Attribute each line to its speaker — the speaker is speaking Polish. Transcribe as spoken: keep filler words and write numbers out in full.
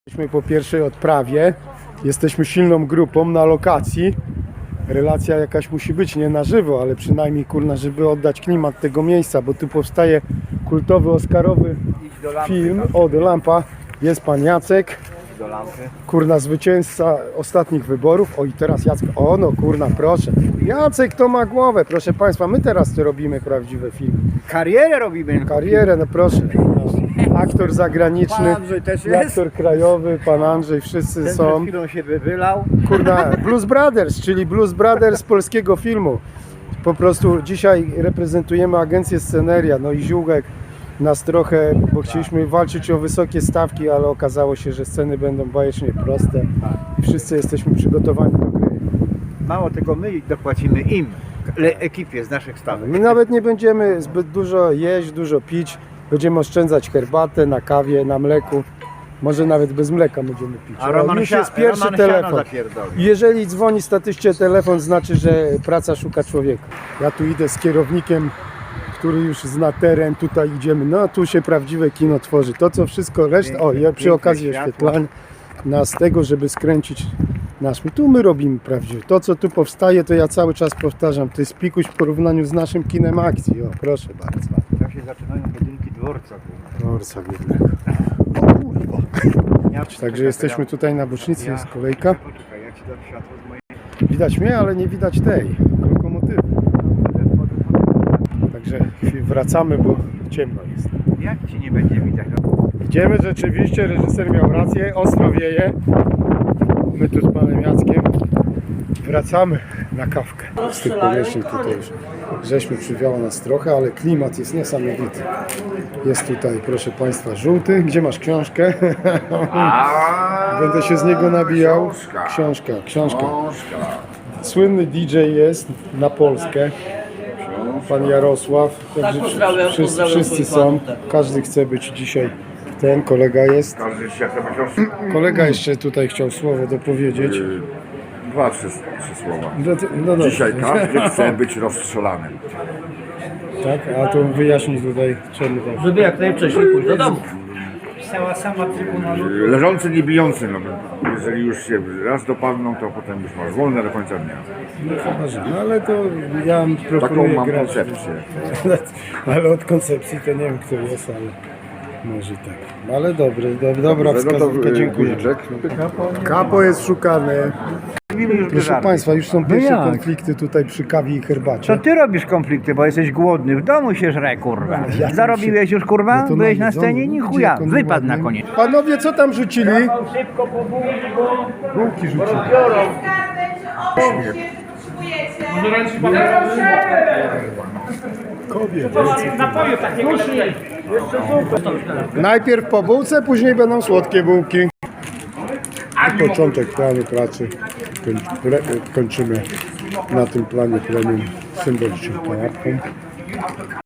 Speaker 1: Jesteśmy po pierwszej odprawie, jesteśmy silną grupą na lokacji. Relacja jakaś musi być, nie na żywo, ale przynajmniej kurna, żeby oddać klimat tego miejsca, bo tu powstaje kultowy, oscarowy film. O, do lampa. Jest pan Jacek, kurna, zwycięzca ostatnich wyborów. O, i teraz Jacek, o no kurna, proszę. Jacek to ma głowę, proszę państwa, my teraz to robimy prawdziwe filmy.
Speaker 2: Karierę robimy.
Speaker 1: Karierę, no proszę. Aktor zagraniczny,
Speaker 2: Pan Andrzej też jest.
Speaker 1: aktor krajowy, pan Andrzej, wszyscy
Speaker 2: Ten
Speaker 1: są.
Speaker 2: przed chwilą się wylał.
Speaker 1: Kurna, Blues Brothers, czyli Blues Brothers polskiego filmu. Po prostu dzisiaj reprezentujemy agencję Sceneria, no i Ziółek nas trochę, bo chcieliśmy walczyć o wysokie stawki, ale okazało się, że sceny będą bajecznie proste i wszyscy jesteśmy przygotowani do gry.
Speaker 2: Mało tego, my dopłacimy im, le- ekipie z naszych stawek.
Speaker 1: My nawet nie będziemy zbyt dużo jeść, dużo pić, będziemy oszczędzać herbatę na kawie, na mleku. Może nawet bez mleka będziemy pić.
Speaker 2: A Roman,
Speaker 1: O, już
Speaker 2: Sia-
Speaker 1: jest pierwszy
Speaker 2: Roman siano
Speaker 1: telefon.
Speaker 2: zapierdoli.
Speaker 1: Jeżeli dzwoni statycznie telefon, znaczy, że praca szuka człowieka. Ja tu idę z kierownikiem, który już zna teren, tutaj idziemy. No tu się prawdziwe kino tworzy. To co wszystko reszta. O, ja przy
Speaker 2: piękne
Speaker 1: okazji
Speaker 2: światło.
Speaker 1: oświetlania nas tego, żeby skręcić nasz. Tu my robimy prawdziwe. To co tu powstaje, to ja cały czas powtarzam. To jest pikuś w porównaniu z naszym kinem akcji. O, proszę bardzo.
Speaker 2: Tam się zaczynają budynki dworca.
Speaker 1: Dworca biednego. O kurwa.
Speaker 2: Ja
Speaker 1: Także jesteśmy tutaj na bocznicy, jest kolejka.
Speaker 2: Poczekaj, ja ci dam światło z mojej...
Speaker 1: Widać mnie, ale nie widać tej lokomotywy. Także wracamy, bo ciemno jest.
Speaker 2: Jak ci nie będzie widać?
Speaker 1: Idziemy, rzeczywiście, reżyser miał rację, ostro wieje. My tu z panem Jackiem wracamy na kawkę. Z tych powierzchni tutaj już żeśmy przywiało nas trochę, ale klimat jest niesamowity. Jest tutaj, proszę państwa, żółty. Gdzie masz książkę? Będę się z niego nabijał. Książka, książka. Słynny D J jest na Polskę. Pan Jarosław. Także
Speaker 3: pozdrawiam,
Speaker 1: wszyscy,
Speaker 3: pozdrawiam
Speaker 1: wszyscy
Speaker 3: swoich
Speaker 1: są.
Speaker 3: fanów.
Speaker 1: Każdy chce być dzisiaj ten. Kolega jest.
Speaker 4: Każdy się chce być roz...
Speaker 1: Kolega jeszcze tutaj chciał słowo dopowiedzieć.
Speaker 4: Dwa, trzy, trzy słowa.
Speaker 1: No, to- no dobrze.
Speaker 4: Dzisiaj każdy chce być rozstrzelanym.
Speaker 1: Tak, a to wyjaśnij tutaj czemu tak.
Speaker 3: Żeby jak najwcześniej pójść do domu.
Speaker 4: Leżący, nie bijący. No, jeżeli już się raz dopadną, to potem już masz wolne do końca dnia.
Speaker 1: No chyba, że. No ale to ja
Speaker 4: Taką
Speaker 1: proponuję
Speaker 4: mam
Speaker 1: grać.
Speaker 4: koncepcję.
Speaker 1: Ale od koncepcji to nie wiem kto jest, ale może i tak. No, ale dobry, do, dobra
Speaker 4: No to,
Speaker 1: wskazówka,
Speaker 4: y,
Speaker 1: dziękuję.
Speaker 4: guziczek.
Speaker 1: Kapo jest szukane.
Speaker 2: Już
Speaker 1: Proszę
Speaker 2: żarty.
Speaker 1: państwa, już są
Speaker 2: No
Speaker 1: pierwsze
Speaker 2: jak?
Speaker 1: konflikty tutaj przy kawie i herbacie.
Speaker 2: Co ty robisz konflikty, bo jesteś głodny? W domu się żre, kurwa.
Speaker 1: Ja
Speaker 2: Zarobiłeś już, kurwa?
Speaker 1: No to
Speaker 2: Byłeś na
Speaker 1: jedzony.
Speaker 2: scenie? Ni
Speaker 1: Gdzie
Speaker 2: chuja.
Speaker 1: jak on
Speaker 2: Wypadł na
Speaker 1: ładny?
Speaker 2: koniec.
Speaker 1: Panowie, co tam rzucili?
Speaker 3: Szybko po bułki, bo
Speaker 1: Bułki rzucili.
Speaker 3: biorą.
Speaker 5: Może ręcznie pan
Speaker 1: Kobiet.
Speaker 3: Napoju takiego lepiej.
Speaker 1: Najpierw po bułce, później będą słodkie bułki. I początek planu pracy. Koń, pre, kończymy na tym planie premium symboliczną kanapką.